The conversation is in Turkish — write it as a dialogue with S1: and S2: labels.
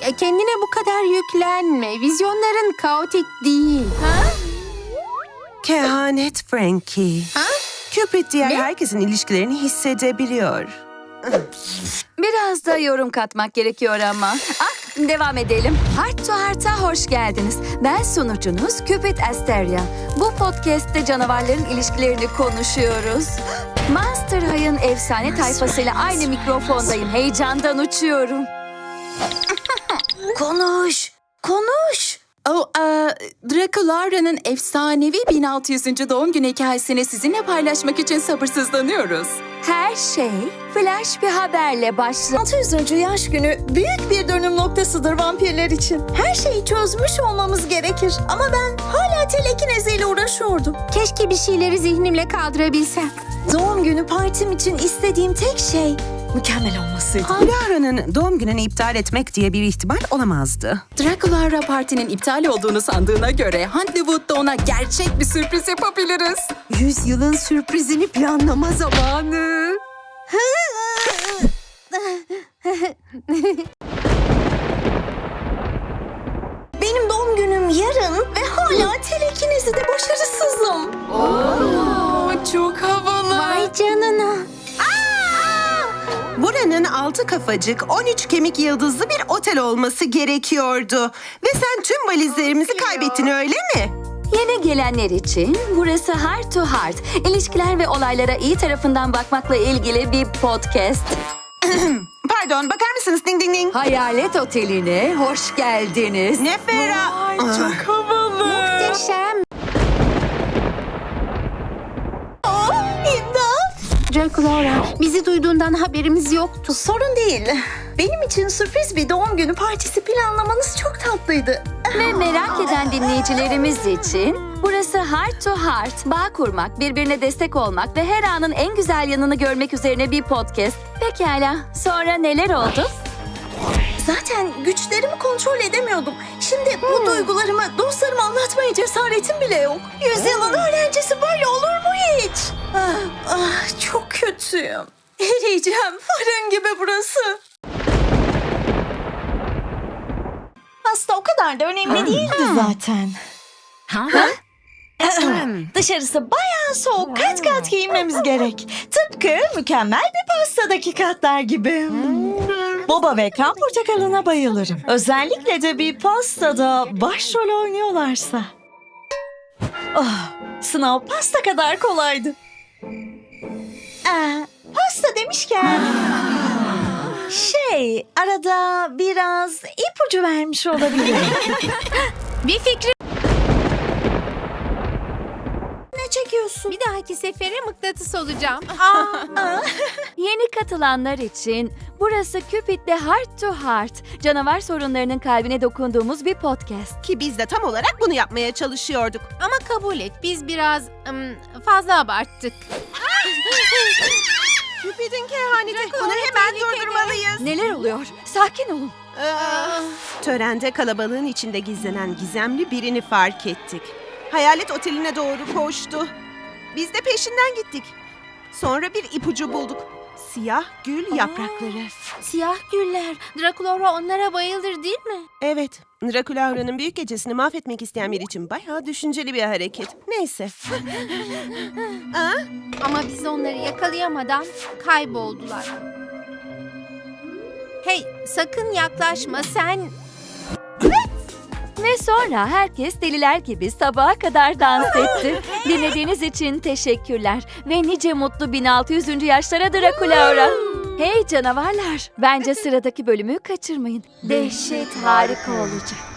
S1: kendine bu kadar yüklenme. Vizyonların kaotik değil.
S2: Kehanet Frankie. Cupid diğer herkesin ilişkilerini hissedebiliyor.
S3: Biraz da yorum katmak gerekiyor ama. Devam edelim. Heart to Heart'a hoş geldiniz. Ben sunucunuz Cupid Asteria. Bu podcast'te canavarların ilişkilerini konuşuyoruz. Monster High'ın efsane tayfasıyla aynı mikrofondayım. Heyecandan uçuyorum. Konuş.
S1: Draculaura'nın efsanevi 1600. doğum günü hikayesini sizinle paylaşmak için sabırsızlanıyoruz.
S3: Her şey flash bir haberle başladı.
S4: 600. yaş günü büyük bir dönüm noktasıdır vampirler için. Her şeyi çözmüş olmamız gerekir. Ama ben hala telekineziyle uğraşıyordum.
S1: Keşke bir şeyleri zihnimle kaldırabilsem.
S4: Doğum günü partim için istediğim tek şey mükemmel olmasıydı.
S2: Laura'nın doğum gününü iptal etmek diye bir ihtimal olamazdı.
S1: Draculaura partinin iptal olduğunu sandığına göre Huntlewood'da ona gerçek bir sürpriz yapabiliriz.
S2: 100 yılın sürprizini planlama zamanı.
S4: Benim doğum günüm yarın ve hala telekinezide başarısızım.
S1: Çok havalı.
S4: Vay canına.
S2: Buranın 6 kafacık, 13 kemik yıldızlı bir otel olması gerekiyordu. Ve sen tüm valizlerimizi kaybettin, öyle mi?
S3: Yeni gelenler için burası Heart to Heart. İlişkiler ve olaylara iyi tarafından bakmakla ilgili bir podcast.
S2: Pardon, bakar mısınız? Ding ding ding.
S3: Hayalet Oteli'ne hoş geldiniz.
S2: Ne ferah.
S1: Çok havalı.
S4: Muhteşem. İmdat.
S1: Draculaura, bizi duyduğundan haberimiz yoktu.
S4: Sorun değil. Benim için sürpriz bir doğum günü partisi planlamanız çok tatlıydı.
S3: Ve merak eden dinleyicilerimiz için burası Heart to Heart. Bağ kurmak, birbirine destek olmak ve her anın en güzel yanını görmek üzerine bir podcast. Pekala, sonra neler oldu?
S4: Zaten güçlerimi kontrol edemiyordum. Şimdi bu duygularımı dostlarıma anlatmaya cesaretim bile yok. Yüzyılın öğrencisi böyle olur mu hiç? Çok kötüyüm. Eriyeceğim. Fırın gibi burası. Aslında o kadar da önemli değildi zaten. Dışarısı bayağı soğuk. Kat kat giyinmemiz gerek. Tıpkı mükemmel bir pastadaki katlar gibi. Boba ve kan portakalına bayılırım. Özellikle de bir pastada başrol oynuyorlarsa. Sınav pasta kadar kolaydı. Pasta demişken... arada biraz ipucu vermiş olabilirim.
S1: Bir fikrim.
S4: Ne çekiyorsun?
S1: Bir dahaki sefere mıknatıs olacağım.
S3: Yeni katılanlar için burası Cupid'le Heart to Heart. Canavar sorunlarının kalbine dokunduğumuz bir podcast.
S2: Ki biz de tam olarak bunu yapmaya çalışıyorduk.
S1: Ama kabul et, biz biraz fazla abarttık.
S2: Cupid'in kehaneti. Bunu hemen durdurmalıyız.
S3: Neler oluyor? Sakin olun.
S2: Törende kalabalığın içinde gizlenen gizemli birini fark ettik. Hayalet oteline doğru koştu. Biz de peşinden gittik. Sonra bir ipucu bulduk. Siyah gül yaprakları.
S1: Siyah güller. Draculaura onlara bayılır değil mi?
S2: Evet, Draculaura'nın büyük gecesini mahvetmek isteyen biri için bayağı düşünceli bir hareket. Neyse.
S1: Ama biz onları yakalayamadan kayboldular. Hey, sakın yaklaşma sen.
S3: Ve sonra herkes deliler gibi sabaha kadar dans etti. Dinlediğiniz için teşekkürler. Ve nice mutlu 1600. yaşlara Draculaura. Hey canavarlar, bence sıradaki bölümü kaçırmayın. Dehşet harika olacak.